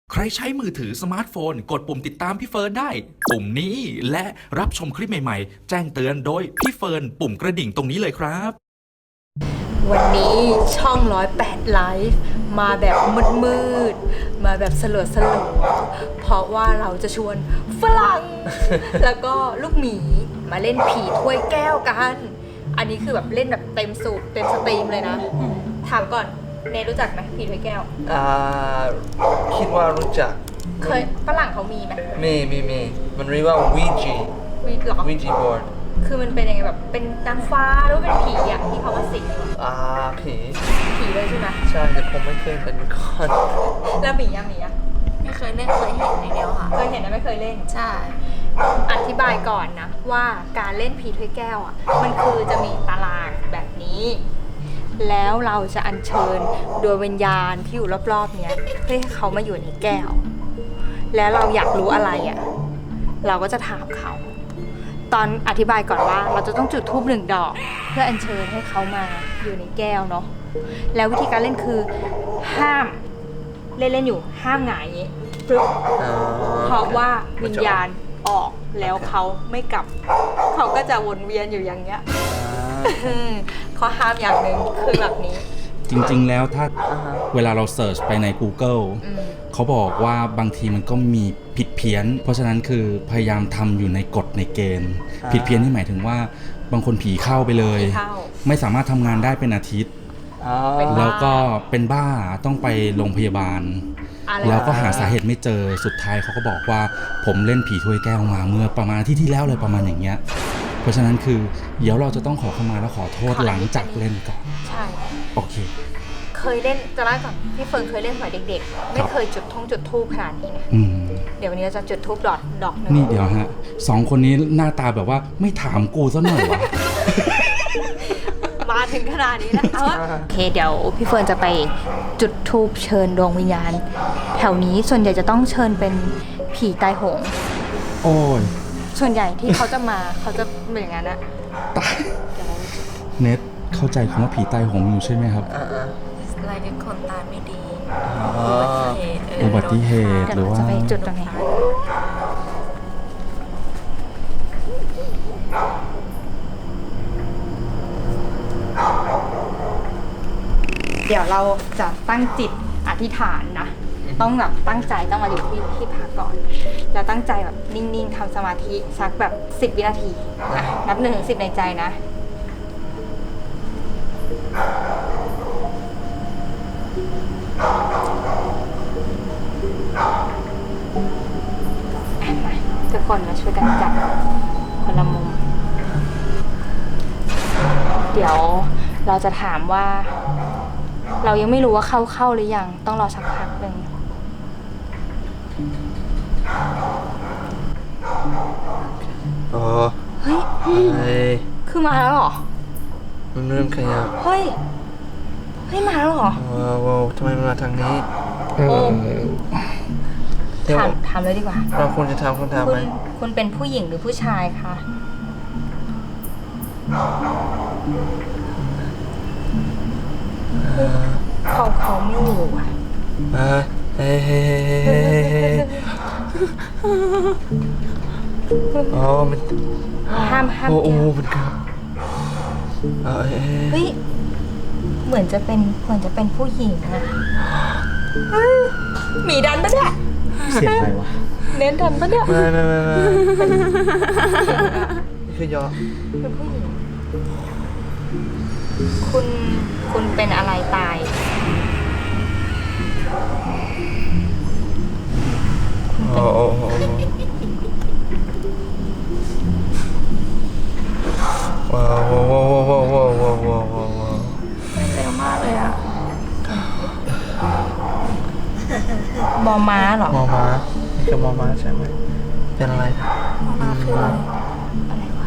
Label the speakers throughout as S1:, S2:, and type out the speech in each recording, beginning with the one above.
S1: ใครใช้มือถือสมาร์ทโฟนกดปุ่มติดตามพี่เฟิร์นได้ปุ่มนี้และรับชมคลิปใหม่ๆแจ้งเตือนโดยพี่เฟิร์นปุ่มกระดิ่งตรงนี้เลยครับ
S2: วันนี้ช่อง108ไลฟ์มาแบบมืดๆมาแบบสลัวเพราะว่าเราจะชวนฝรั่ง แล้วก็ลูกหมีมาเล่นผีถ้วยแก้วกัน อันนี้คือแบบเล่นแบบเต็มสูบเต็มสตรีมเลยนะ ถามก่อนเนยรู้จักไหมผีถ้วยแก้ว
S3: คิดว่ารู้จัก
S2: เคยฝรั่งเขามีไหม
S3: มีมันเรียกว่า Ouija
S2: มีหรอ
S3: Ouija board
S2: คือมันเป็นยังไงแบบเป็นนางฟ้าหรือว่าเป็นผีอะที่เขามาสิงอยู่อะ
S3: ผี
S2: ผีเลยใช่ไหม
S3: ใช่แต่ผมไม่เคยเป็นก่อน
S2: แล้วหมีอะ
S4: ไม่เคยเล่นเคยเห็นอย่างเดียวค่ะ
S2: เคยเห็นแต่ไม่เคยเล่น
S4: ใช่
S2: อธิบายก่อนนะว่าการเล่นผีถ้วยแก้วอ่ะมันคือจะมีตารางแบบนี้ แล้วเราจะอัญเชิญดวงวิญญาณที่อยู่รอบๆเนี้ยเพื่อให้เขามาอยู่ในแก้ว แล้วเราอยากรู้อะไรอ่ะเราก็จะถามเขา ตอนอธิบายก่อนว่าเราจะต้องจุดธูป1 ดอก เพื่ออัญเชิญให้เขามาอยู่ในแก้วเนาะแล้ววิธีการเล่นคือห้ามเล่นอยู่ห้ามหงายอย่างงี้ปึ๊บ เพราะว่าวิญญาณออกแล้วเขาไม่กลับ เขาก็จะวนเวียนอยู่อย่างเงี้ยข้อห้ามอย่างหนึ่งคือแบบนี้
S5: จริงๆ แล้วถ้าเวลาเราเสิร์ชไปใน Google เขาบอกว่าบางทีมันก็มีผิดเพี้ยน เพราะฉะนั้นคือพยายามทำอยู่ในกฎในเกณฑ์ ผิดเพี้ยนนี่หมายถึงว่าบางคนผีเข้าไปเลย
S2: ผีเข้า
S5: ไม่สามารถทำงานได้เป็นอาทิตย์
S2: เป็นบ้า
S5: แล้วก็เป็นบ้าต้องไปโรงพยาบาล
S2: อะไร
S5: แล้วก็หาสาเหตุไม่เจอสุดท้ายเขาก็บอกว่าผมเล่นผีถ้วยแก้วมาเมื่อประมาณอาที่แล้วเลยประมาณอย่างเงี้ยเพราะฉะนั้นคือเดี๋ยวเราจะต้องขอเข้ามาแล้วขอโทษหลังจากเล่นก่อน
S2: ใช่
S5: โอเค
S2: เคยเล่นจะเล่าก่อนพี่เฟิร์นเคยเล่นสมัยเด็กๆ ไม่เคยจุดธูปขนาดนี้นะ
S5: อืม
S2: เดี๋ยววันนี้เราจะจุดธูปดอกหนึ่ง
S5: นี่เดี๋ยวฮะ2 คนนี้หน้าตาแบบว่าไม่ถามกูซะหน่อยวะ
S2: มาถึงขนาดนี้แล้วเอาวะโอเคเดี๋ยวพี่เฟิร์นจะไปจุดธูปเชิญดวงวิญญาณ แถวนี้ส่วนใหญ่จะต้องเชิญเป็นผีตายโหง
S5: โอ้ย
S2: ส่วนใหญ่ที่เขาจะมาเขาจะเป็นอย่างนั้นอะ
S5: ตายเน็ตเข้าใจคำว่าผีตายโหงอยู่ใช่ไหมครับ
S4: อะไรเป็นคนตาไม่ดี
S5: อุบัติเหตุ
S2: เดี๋ยว
S5: หรือ
S2: เรา
S5: ว่า
S2: จะไปจุดตรงไหนเดี๋ยวเราจะตั้งจิตอธิษฐานนะ ต้องแบบตั้งใจต้องมาอยู่ที่พักก่อน แล้วตั้งใจแบบนิ่งๆทำสมาธิสักแบบ10 วินาทีอ่ะนับ1 ถึง 10ในใจนะ มาทุกคนมาช่วยกันจับคนละมุม เดี๋ยวเราจะถามว่า เรายังไม่รู้ว่าเข้าหรือยังต้องรอสักพักหนึ่ง เฮ้ย คือมาแล้วเหรอ
S3: มันเริ่มขยับ
S2: เฮ้ยมาแล้วเหรอ
S3: ว้าวทำไมมันมาทางนี้เดี๋ยว
S2: ถามเลยดีกว่า
S3: เราควรจะทำคำถามไหม
S2: คุณเป็นผู้หญิงหรือผู้ชายคะเขาไม่อยู่อ่ะ
S3: เฮ้อ๋อมัน
S2: ห้าม
S3: โอ้
S2: แก้ว
S3: มันครับ
S2: เฮ้ยเหมือนจะเป็นผู้หญิงอะเฮ้ยหมีดันปะเนี่ย
S5: เสียงอะไรวะ
S2: เน้นดันปะเนี่ย
S3: ไม่นี่คือยอ
S2: เป็นผู้หญิงคุณเป็นอะไรตาย
S3: โอ้ว้าว
S4: เร็วมากเลยอ่ะ
S2: มอม้าเหรอ
S3: มอม้านี่คือมอม้าใช่ไหมเป็นอะไร
S4: มาคืออะไร
S2: อะไรวะ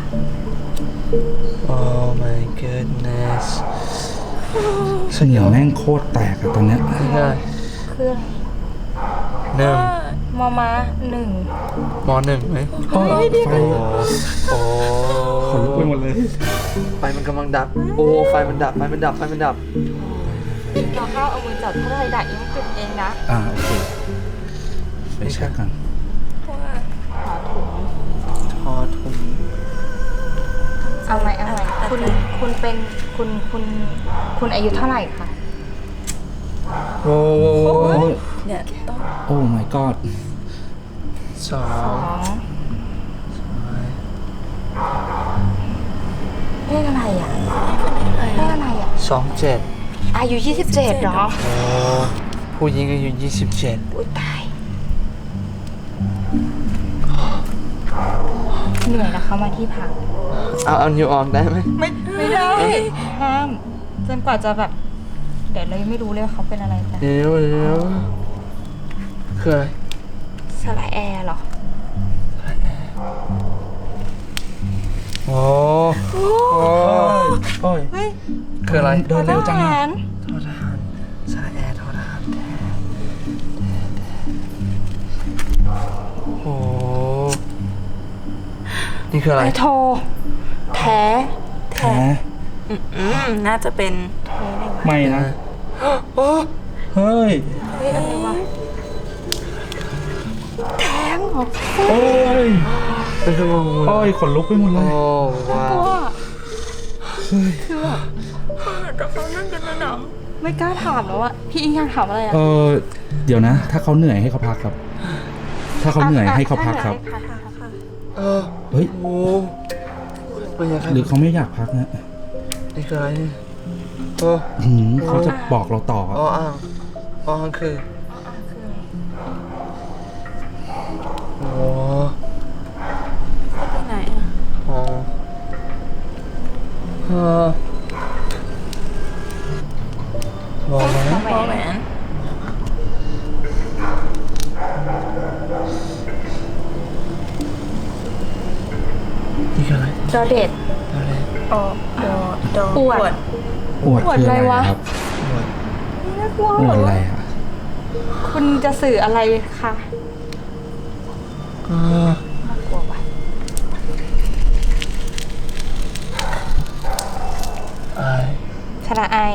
S3: Oh my goodness
S5: เสียงแม่งโคตรแตกอะตอนเนี้ย
S3: ง่าย
S2: คืออะไร
S3: หนึ่ง
S2: มอม้า1
S3: มอหนึ่งไหม
S5: ไฟ
S3: โอ้
S5: ขนลุกไปหมดเลย
S3: ไฟมันกำลังดับ โอ้ไฟมันดับ
S2: เราเข้าเอามือจับถ้าอะไรดักยังจุดเองนะ
S5: โอเคไปเช็คกัน
S4: เพราะว่า
S3: ทอถุง
S2: เอาไหมคุณเป็นคุณอายุเท่าไหร่คะ
S3: โว้ว
S4: เนี่ยต้อง
S5: โอ้ my god
S3: สอ
S2: สอง งเลขอะไรอ่ะเลขอะไรอ่ะ
S3: 27
S2: อายุ27เหรอ
S3: โอ้ผู้หญิงอายุ27
S2: อุ้ยตายเหนื่อยนะคะมาที่พัก
S3: เอานิ้วออกได้ไหม
S2: ไม่ได้ห้ามจนกว่าจะแบบ เดี๋ยวเรายังไม่รู้เลยว่าเขาเป็นอะไรกัน
S3: เดี๋ยวคืออะไร
S2: สระแอร์เหรอ
S3: โอ้โอ้ย
S2: เฮ้ย
S3: คืออะไร
S5: เดินเร็วจัง
S2: ท
S5: อะ
S2: หาร
S3: ทอทหารสายแอร์ทอทหารแท้โอ้นี่คืออะไร
S2: ไอโทรแท้
S5: แท้
S4: น่าจะเป็น
S5: ไม่นะ
S3: โอ้
S5: เฮ้ย
S2: เฮ้ยอะไรวะแท้งเหรอ
S5: โอ้ย
S3: เป็นชั่วโมง
S5: โอ้ยขนลุกไปหมดเล
S3: โอ้
S5: ย
S3: ว้า
S2: กลั
S3: ว
S2: ว
S4: แต่เขานั่งกันนะหนัง
S2: ไม่กล้าถามแล้วอะพี่อิงอยากถามอะไรอะ
S5: เดี๋ยวนะ ถ้าเขาเหนื่อยให้เขาพักครับ ถ้าเขาเหนื่อยให้เขาพักครับ
S3: เออ
S5: เฮ้ย
S3: โอ้ไม่อยากให้
S5: หรือเขาไม่อยากพักนะ
S3: นี่คืออะไรนี่โอ้
S5: เขาจะบอกเราต่อ
S3: อ้ออ่างอ้ออ่างคือโอ้
S4: ไปไหนอ่ะ
S3: โอ้เออบอกแล้ว
S4: พอแหวน
S3: นี่คืออะไร
S2: จอเด็ด
S3: อะไร
S4: อดอ
S2: ปวด
S5: อวด
S2: อวด
S5: คือ
S2: อะไร
S5: อะไร
S2: วะ
S5: ครับ
S2: น่ากลัว
S5: อวดอะไรอ่ะ
S2: คุณจะสื่ออะไรคะ
S3: เออ
S2: น่ากลัวว่ะ
S3: ไอ้
S2: สระไอ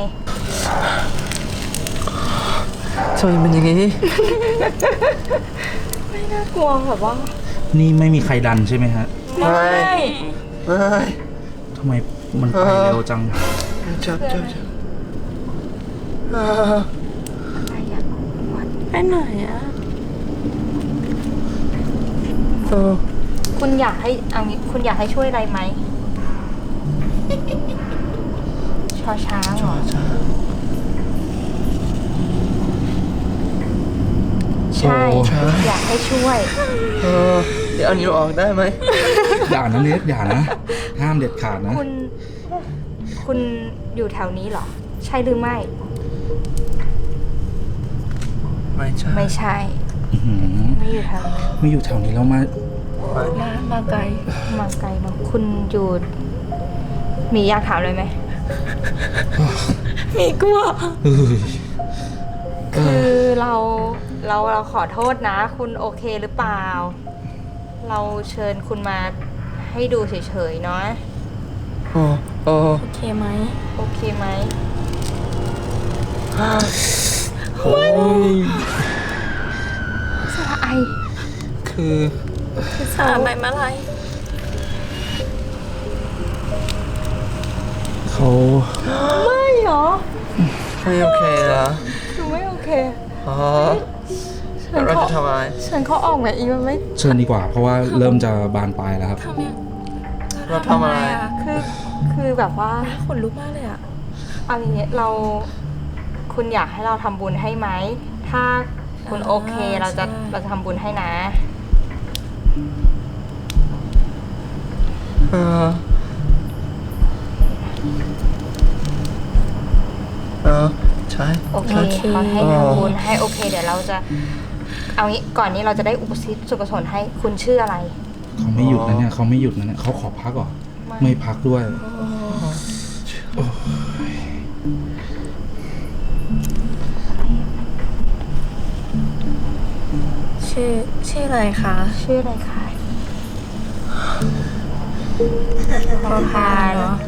S3: ทำไมเป็นอย่างนี้
S2: ไม่น่ากลัวแบบว่า
S5: นี่ไม่มีใครดันใช่ไหมฮะ
S3: ไม่ ไม่
S5: ทำไมมันไปเร็วจัง
S3: จับเออ
S2: อะไรอะ
S4: ไปไหนอ่ะ
S3: เออ
S2: คุณอยากให้เอางี้คุณอยากให้ช่วยอะไรไหมชอช้างเหรอ ใช่
S5: โอ้
S2: อยากให้ช่วย
S3: เออเดี๋ยวเอานิ้วออกได้ไหม
S5: อย่านะเลสอย่านะ ห้ามเด็ดขาดนะ
S2: คุณอยู่แถวนี้เหรอ ใช่หรือไม่
S3: ไม่ใช่
S2: ไม่ใช่
S5: อื้อหือ
S2: ไม่อยู่แถวนี้
S5: ไม่อยู่แถวนี้แล้วมา
S4: มาไกล
S2: มาไกลเนาะคุณอยู่มีอยากถามเลยไหม
S4: มีกลัว
S5: เอ้ย
S2: คือเราขอโทษนะ คุณโอเคหรือเปล่า เราเชิญคุณมาให้ดูเฉยๆเนาะ
S3: โอ้โอ้
S4: โอเคไหม
S2: โอเคไหม
S5: โอ้ย
S2: สระไอ
S3: คือ
S4: สาใบมะลาย
S5: เขา
S2: ไม่เหรอ
S3: ไม่โอเคเหรอ
S2: คือไม่โอเค
S3: อ๋อ
S2: เชิ
S3: แล้ว
S2: ญ
S3: เรา
S2: เขา
S3: จะทำอะไร
S2: เชิญเขาออกแบบอีกมันไม่
S5: เชิญดีกว่า เพราะว่าเริ่มจะบานปลายแล้วครับ
S4: ทำยัง
S3: เราทำอะไร
S2: คือแบบว่า
S4: ขนลุกมากเลยอ่ะ
S2: เอาอย่างเงี้ยคุณอยากให้เราทำบุญให้ไหม ถ้าคุณโอเคเราจะทำบุญให้นะ
S3: เออใช่
S2: โอเคเขาให้ทำบุญให้โอเค เดี๋ยวเราจะ เอางี้ก่อนนี้เราจะได้อุปสิทส่วนกุศลให้คุณชื่ออะไร
S5: เขาไม่หยุดนะเนี่ยเขาไม่หยุดนะเนี่ยเขาขอพักเหรอ ไม่พักด้วย
S4: ชื่ออะไรคะ
S2: ชื่ออะไรคะพอพาน
S4: เนาะ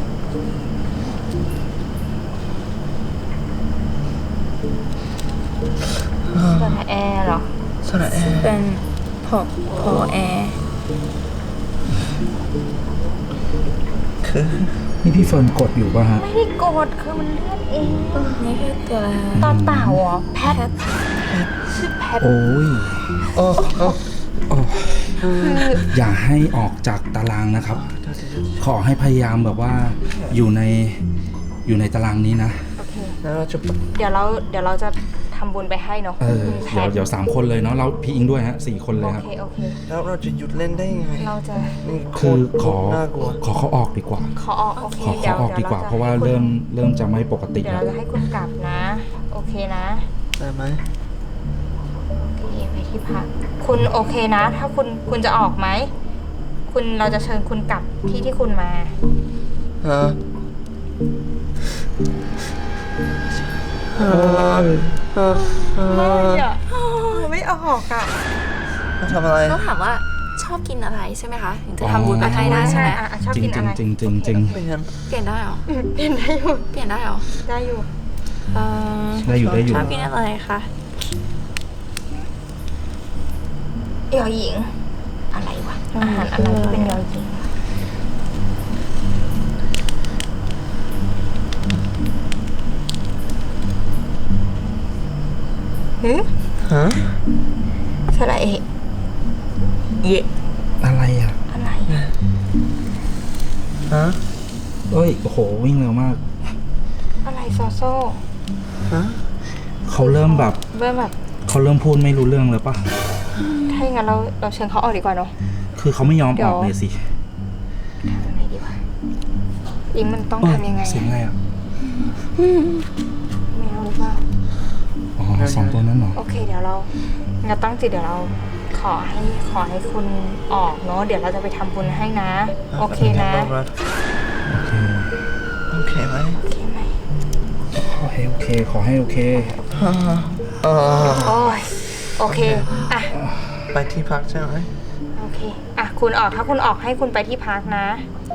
S3: เ
S2: สระแอร์เหรอ
S3: สระแอร์
S4: เป็นพอแอร์
S3: คือ
S5: นี่พี่เฟิร์นกดอยู่ป่ะฮะ
S2: ไม่ได้กดคือมันเลื่อนเอง
S4: นี่คือตัวอะไร
S2: ต่อเต่าเหรอแพทชื่อแพท
S5: โอ้ย
S3: โอ้โอ้
S5: โอ้
S2: คือ
S5: อย่าให้ออกจากตารางนะครับ ขอให้พยายามแบบว่าอยู่ในตารางนี้นะ
S2: โอเค
S3: แล้วเราจะ
S2: เดี๋ยวเราจะทำบุญไปให้เนาะ คุณแพท
S5: เดี๋ยว3 คนเลยเนาะเราพี่อิงด้วยฮะ4 คนเล
S2: โอย
S5: ครับ
S2: เคโอเค
S3: แล้วเราจะหยุดเล่นได้ยังไง
S2: เราจะ
S3: นี่โค
S5: คือ
S3: ตร
S5: ขอ
S3: น่ากลัว
S5: ขอเขาออกดีกว่า
S2: ขอออกโอเค
S5: ขอเขาออกดีกว่า เพราะว่าเริ่มจะไม่ปกติ
S2: เดี๋ยว
S5: แล้ว
S2: เราจะให้คุณกลับนะ โอเคนะ
S3: ได้ไหม
S2: โอเคไปที่พักคุณโอเคนะ ถ้าคุณจะออกไหมเราจะเชิญคุณกลับที่คุณมา
S3: ฮะ
S2: ไม่ออกอ่ะ
S3: มาทำอะไร
S4: ต้องถามว่าชอบกินอะไรใช่ไหมคะ ถึงจะทำบุญไปให้ได้ใช่ไหม
S2: ชอบ
S5: จริ
S2: กิ
S5: ง
S2: น
S5: จ
S2: อะไร
S5: ริงจริงจริง
S3: เป็นยัง
S4: เปลี่ยนได้เหรอ
S2: เปลี่ยนได้อยู่
S4: เปลี่ยนได้เหรอ
S2: ได้อยู่
S5: ได้อยู่ได้อยู่
S4: ชอบกินอะไรคะ
S2: ยอหญิง อะไรวะอาหารอะไรที่เป็นยอหญิงฮึ
S3: ฮะ
S2: สระเอะเยะ
S5: อะไรอ่ะ
S2: อะไร
S3: ฮะ
S5: เอ้ยโอ้โหวิ่งเร็วมาก
S2: อะไรซอโซ่
S3: ฮะ
S5: เขาเริ่มแบบ
S2: เริ่มแบบ
S5: เขาเริ่มพูดไม่รู้เรื่องเลยป่ะ
S2: ถ้าอย่างนั้นเราเชิญเขาออกดีกว่าเนาะ
S5: คือเขาไม่ยอม
S2: เดี๋
S5: อ
S2: ยว
S5: อกเลยสิ
S2: ทำยังไงดีวะอิงมันต้องทำยังไง
S5: เสียงอะไรอ่ะ
S2: แมวหรือเปล่า
S5: อ๋อ2 ตัวนั้นเหรอ
S2: โอเคเดี๋ยวเราตั้งจิตเดี๋ยวเราขอให้คุณออกเนาะเดี๋ยวเราจะไปทำบุญให้นะ โอเคนะ
S5: โอเค
S3: โอเคไหม
S2: โอเคไหม
S5: ขอให้โอเค ขอให้โอเค
S3: ฮะเออ
S2: โอ้ยโอเคอ่ะ
S3: ไปที่พักใช่ไหม
S2: โอเคอ่ะคุณออกถ้าคุณออกให้คุณไปที่พักนะ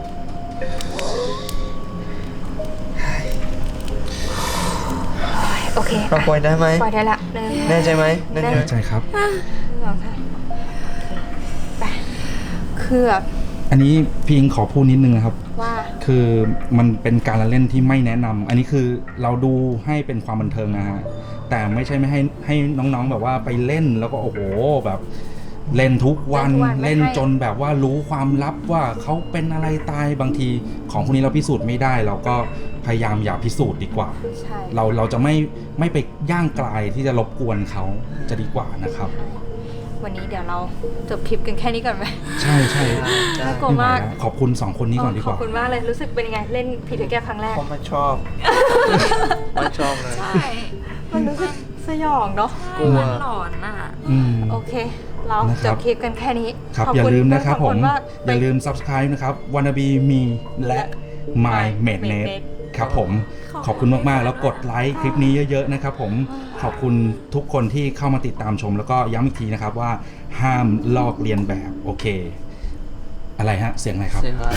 S2: โอเค
S3: เราปล่อยได้ไหม
S2: ปล่อยได้ละหนึ่ง
S3: แน่ใจไหมแน่ใจไหม
S5: เข้าใจครับ
S2: สองค่ะไปคือแบบ
S5: อันนี้พี่อิงขอพูดนิดนึงนะครับ
S2: ว่า
S5: คือมันเป็นการละเล่นที่ไม่แนะนำอันนี้คือเราดูให้เป็นความบันเทิงนะฮะ แต่ไม่ใช่ไม่ให้น้องๆแบบว่าไปเล่นแล้วก็โอ้โหแบบเล่นทุกวันเล่นจนแบบว่ารู้ความลับว่าเขาเป็นอะไรตายบางทีของพวกนี้เราพิสูจน์ไม่ได้ เราก็พยายามอย่าพิสูจน์ดีกว่า
S2: ใช่
S5: เราจะไม่ไปย่างกลายที่จะรบกวนเขาจะดีกว่านะครับ
S2: วันนี้เดี๋ยวเราจบคลิปกันแค่นี้ก่อนไหม
S5: ใช่ใช่
S2: น่ากลัวมาก
S5: ขอบคุณ2 คนนี้ก่อนดี
S2: ข
S5: ก
S2: อบ
S5: ว่า
S2: คุณมากเลยรู้สึกเป็นยังไงเล่นผีถือแก้วครั้งแรก
S3: ผมไม่ชอบ ไม่ชอบเลย
S4: ใช่
S2: มันรู้สึกสยองเนาะ
S3: กลัว
S4: มันหลอนอ่ะ
S5: อืม
S2: โอเค เรา
S5: นะครับ
S2: จบคลิปกันแค่นี้
S5: ครับ
S2: ขบ
S5: อย่า
S2: ณ
S5: ลืมนะครับ
S2: ข
S5: ผ
S2: อ
S5: ม
S2: ณาก
S5: อย่าลืม subscribe นะครับ wannabe me และ my maidnet ครับผมขอบคุณมากๆ แล้วกดไลค์คลิปนี้เยอะๆนะครับผมขอบคุณทุกคนที่เข้ามาติดตามชม แล้วก็ย้ำอีกทีนะครับว่าห้ามลอกเลียนแบบโอเค อะไรฮะ เสียงอะไรครับ
S3: เสียงอะไร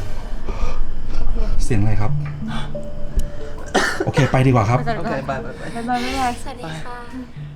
S5: เสียงอะไรครับ โอเคไปดีกว่าครับ
S2: ไปก่อน
S3: โอ
S2: ไป
S3: เค
S2: ก่อน
S3: บายบายบาย
S2: บ๊ายบายบ๊ายบาย
S4: สวัสดีค่ะ